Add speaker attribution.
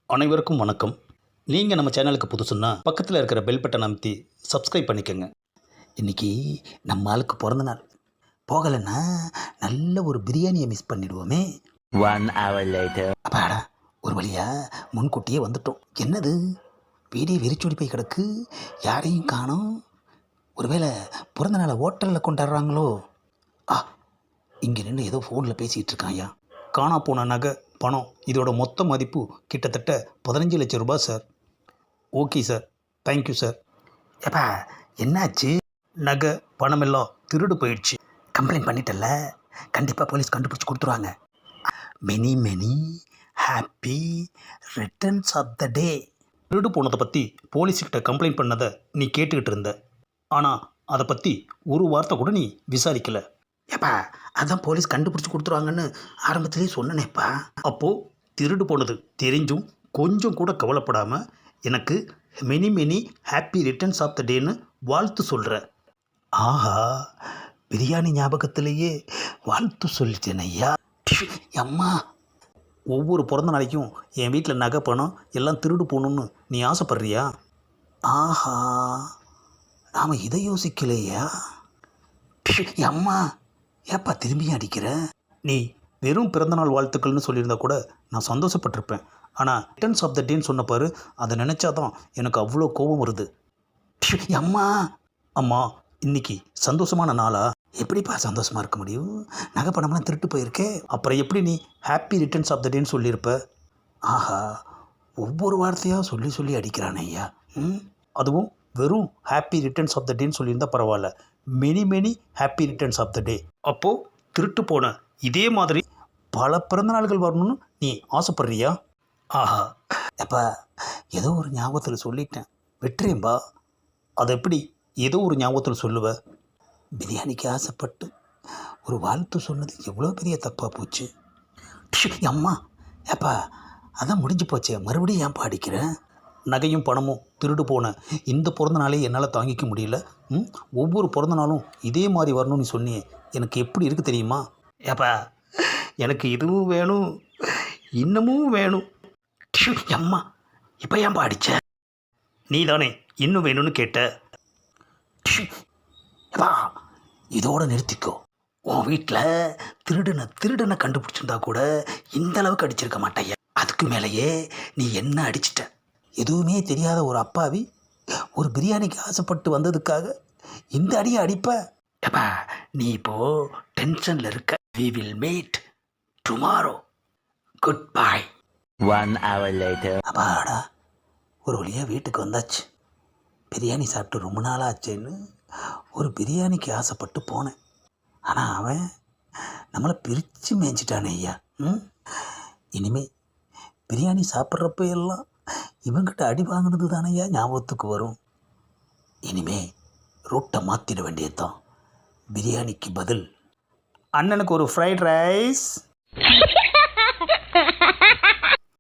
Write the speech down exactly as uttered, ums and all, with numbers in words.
Speaker 1: அனைவருக்கும் வணக்கம். நீங்கள் நம்ம சேனலுக்கு புதுசுன்னா பக்கத்தில் இருக்கிற பெல் பட்டன் அமைத்தி சப்ஸ்கிரைப் பண்ணிக்கோங்க. இன்றைக்கி நம்ம ஆளுக்கு பிறந்த நாள். போகலைன்னா நல்ல ஒரு பிரியாணியை மிஸ் பண்ணிடுவோமே.
Speaker 2: One hour later.
Speaker 1: அப்பாடா, ஒரு வழியாக முன்கூட்டியே வந்துட்டோம். என்னது வீடே வெறிச்சோடி போய் கிடக்கு, யாரையும் காணோம். ஒருவேளை பிறந்த நாளை ஹோட்டலில் கொண்டாடுறாங்களோ? ஆ, இங்கே நின்று ஏதோ ஃபோனில் பேசிகிட்டு இருக்காயா. காணா போன நகை, பணம், இதோட மொத்த மதிப்பு கிட்டத்தட்ட பதினஞ்சு லட்சம் ரூபாய் சார். Okay sir, thank you sir. ஏப்பா என்னாச்சு? நகை பணமெல்லாம் திருடு போயிடுச்சு. கம்ப்ளைண்ட் பண்ணிட்டல, கண்டிப்பாக போலீஸ் கண்டுபிடிச்சி கொடுத்துருவாங்க. Many many happy returns of the day. திருடு போனதை பற்றி போலீஸ்கிட்ட கம்ப்ளைண்ட் பண்ணதை நீ கேட்டுக்கிட்டு இருந்த. ஆனால் அதை பற்றி ஒரு வார்த்தை கூட நீ விசாரிக்கலை. ஏப்பா அதான் போலீஸ் கண்டுபிடிச்சி கொடுத்துருவாங்கன்னு ஆரம்பத்திலே சொன்னனேப்பா. அப்போது திருடு போனது தெரிஞ்சும் கொஞ்சம் கூட கவலைப்படாமல் எனக்கு many many happy returns of the டேன்னு வாழ்த்து சொல்கிற. ஆஹா, பிரியாணி ஞாபகத்திலேயே வாழ்த்து சொல்லிட்டேன் ஐயா. அம்மா, ஒவ்வொரு பிறந்த நாளைக்கும் என் வீட்டில் நகை பணம் எல்லாம் திருடு போகணுன்னு நீ ஆசைப்பட்றியா? ஆஹா, நாம் இதை யோசிக்கலையா? அம்மா, ஏப்பா திரும்பி அடிக்கிற? நீ வெறும் பிறந்தநாள் வாழ்த்துக்கள்னு சொல்லியிருந்தா கூட நான் சந்தோஷப்பட்டிருப்பேன். ஆனால் ரிட்டர்ன்ஸ் ஆஃப் த டேன்னு சொன்ன பாரு, அதை நினச்சாதான் எனக்கு அவ்வளோ கோபம் வருது. அம்மா அம்மா இன்னைக்கு சந்தோஷமான நாளா? எப்படிப்பா சந்தோஷமாக இருக்க முடியும்? நகை பணம்லாம் திருட்டு போயிருக்கே. அப்புறம் எப்படி நீ ஹாப்பி ரிட்டர்ன்ஸ் ஆஃப் த டேன்னு சொல்லியிருப்ப? ஆஹா, ஒவ்வொரு வார்த்தையாக சொல்லி சொல்லி அடிக்கிறானே ஐயா. ம் அதுவும் வெறும் ஹாப்பி ரிட்டர்ன்ஸ் ஆஃப் த டேன்னு சொல்லியிருந்தால் பரவாயில்ல, many many happy returns of the day. அப்போது திருட்டு போன இதே மாதிரி பல பிறந்தநாள்கள் வரணும்னு நீ ஆசைப்பட்றியா? ஆஹா, அப்பா ஏதோ ஒரு ஞாபகத்தில் சொல்லிட்டேன், வெட்டுறேன்பா. அதை எப்படி ஏதோ ஒரு ஞாபகத்தில் சொல்லுவ? பிரியாணிக்கு ஆசைப்பட்டு ஒரு வாழ்த்து சொன்னது எவ்வளோ பெரிய தப்பாக போச்சு. அம்மா, ஏப்பா அதான் முடிஞ்சு போச்சே, மறுபடியும் ஏன் பாடிக்கிறேன்? நகையும் பணமும் திருடு போன இந்த பிறந்த நாளே என்னால் தாங்கிக்க முடியல. ம் ஒவ்வொரு பிறந்த நாளும் இதே மாதிரி வரணும்னு சொன்னியே, எனக்கு எப்படி இருக்குது தெரியுமா? ஏப்பா எனக்கு இதுவும் வேணும், இன்னமும் வேணும். அம்மா, இப்போ ஏன் பாடிச்ச? நீ தானே இன்னும் வேணும்னு கேட்ட. ஏப்பா இதோட நிறுத்திக்கோ. உன் வீட்டில் திருடனை திருடனை கண்டுபிடிச்சிருந்தா கூட இந்த அளவுக்கு அடிச்சிருக்க மாட்டேன். அதுக்கு மேலேயே நீ என்ன அடிச்சிட்ட? எதுவுமே தெரியாத ஒரு அப்பாவி ஒரு பிரியாணிக்கு ஆசைப்பட்டு வந்ததுக்காக இந்த அடியை அடிப்ப? ஏப்பா நீ இப்போது டென்ஷனில் இருக்க. We will meet tomorrow. Good bye.
Speaker 2: One hour later.
Speaker 1: அப்பாடா, ஒரு வழியாக வீட்டுக்கு வந்தாச்சு. பிரியாணி சாப்பிட்டு ரொம்ப நாளாக ஆச்சேன்னு ஒரு பிரியாணிக்கு ஆசைப்பட்டு போனேன். ஆனால் அவன் நம்மளை பிரித்து மேய்ஞ்சிட்டானே ஐயா. ம் இனிமே பிரியாணி சாப்பிட்றப்ப எல்லாம் இவங்கிட்ட அடி வாங்கினது தானையா ஞாபகத்துக்கு வரும். இனிமே ரூட்டை மாற்றிட வேண்டியதுதான். பிரியாணிக்கு பதில் அண்ணனுக்கு ஒரு ஃப்ரைட் ரைஸ்.